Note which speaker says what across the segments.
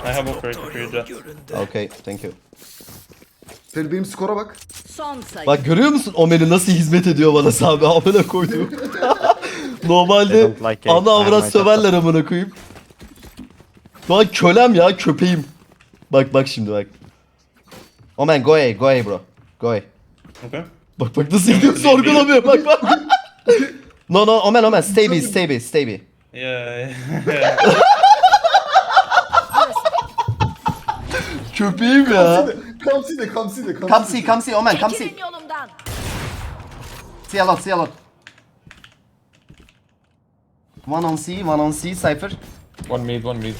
Speaker 1: I have operator for you, Jet.
Speaker 2: Okay, thank you.
Speaker 3: Sen benim skora bak.
Speaker 4: Son sayı.
Speaker 2: Bak görüyor musun Omen'i nasıl hizmet ediyor bana Sami amına koyduğum. Normalde
Speaker 5: I don't like it.
Speaker 2: ana
Speaker 5: I have
Speaker 2: avrat
Speaker 5: my
Speaker 2: söverler amına koyayım. Şu an kölem ya köpeğim. Bak şimdi bak. Omen go away bro. Go away.
Speaker 1: Okay.
Speaker 2: Bak nasıl gidiyor sorgulamıyor bak. No Omen stay be.
Speaker 1: Yeah.
Speaker 2: Köpeğim ya. Come see Omen come see.
Speaker 4: Çekilin yolumdan.
Speaker 2: See a lot. One on C, Cypher.
Speaker 6: One mid.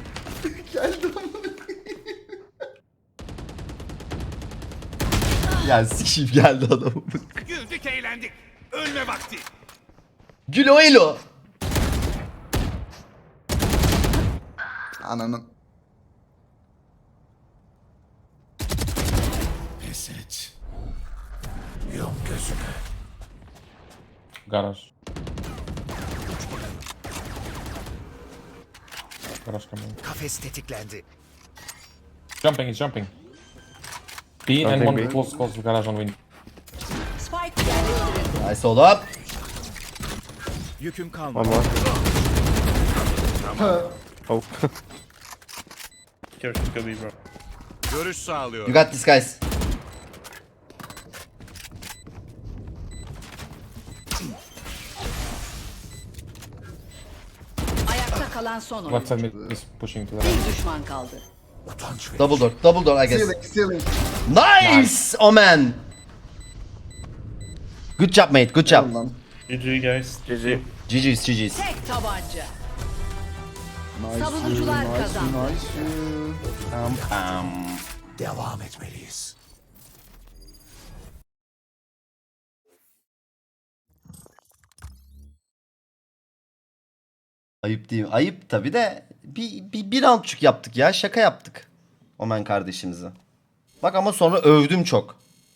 Speaker 2: Ya sikişim geldi adam.
Speaker 7: Güldük eğlendik. Ölme vakti.
Speaker 2: Gülo elo.
Speaker 3: Ananın.
Speaker 7: Pes et. Yum gözüme.
Speaker 6: Garage. Garage coming.
Speaker 7: Kafes tetiklendi.
Speaker 6: He's jumping. B and
Speaker 5: Something
Speaker 6: one
Speaker 5: big.
Speaker 6: close garage on win.
Speaker 4: Spike yerleştirildi.
Speaker 2: Nice oğlum.
Speaker 7: Yüküm kalmadı.
Speaker 5: One more. Oh.
Speaker 1: Here, just go B, bro.
Speaker 7: Görüş sağlıyor.
Speaker 2: You got this guys.
Speaker 4: Ayakta kalan son
Speaker 6: Left
Speaker 4: oyuncu.
Speaker 6: side mid is pushing to the right.
Speaker 4: Bir düşman kaldı.
Speaker 7: Utanç ver.
Speaker 2: Double door I guess.
Speaker 3: Stealing.
Speaker 2: Nice Omen. Good job mate, good job.
Speaker 3: Lan.
Speaker 1: GG, guys.
Speaker 5: GG.
Speaker 2: GG's.
Speaker 4: Tek tabanca.
Speaker 3: Nice.
Speaker 4: Savunucular
Speaker 3: nice,
Speaker 4: kazandı.
Speaker 3: Nice.
Speaker 7: Devam etmeliyiz.
Speaker 2: Ayıp değil mi? Ayıp tabi de bir roundçuk yaptık ya. Şaka yaptık. Omen kardeşimize. Bak ama sonra övdüm çok.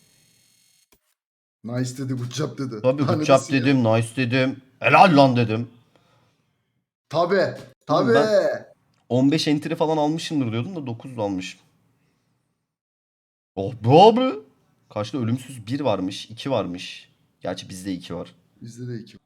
Speaker 3: Nice dedi, good job dedi.
Speaker 2: Tabii
Speaker 3: Daha
Speaker 2: good
Speaker 3: ne
Speaker 2: job
Speaker 3: desin ya?
Speaker 2: dedim, nice dedim. Helal lan dedim.
Speaker 3: Tabii. Tabii.
Speaker 2: Ben- 15 entry falan almışımdır diyordum da 9 almışım. Oh be abi. Karşıda ölümsüz 1 varmış, 2 varmış. Gerçi bizde 2 var.
Speaker 3: Bizde de iki.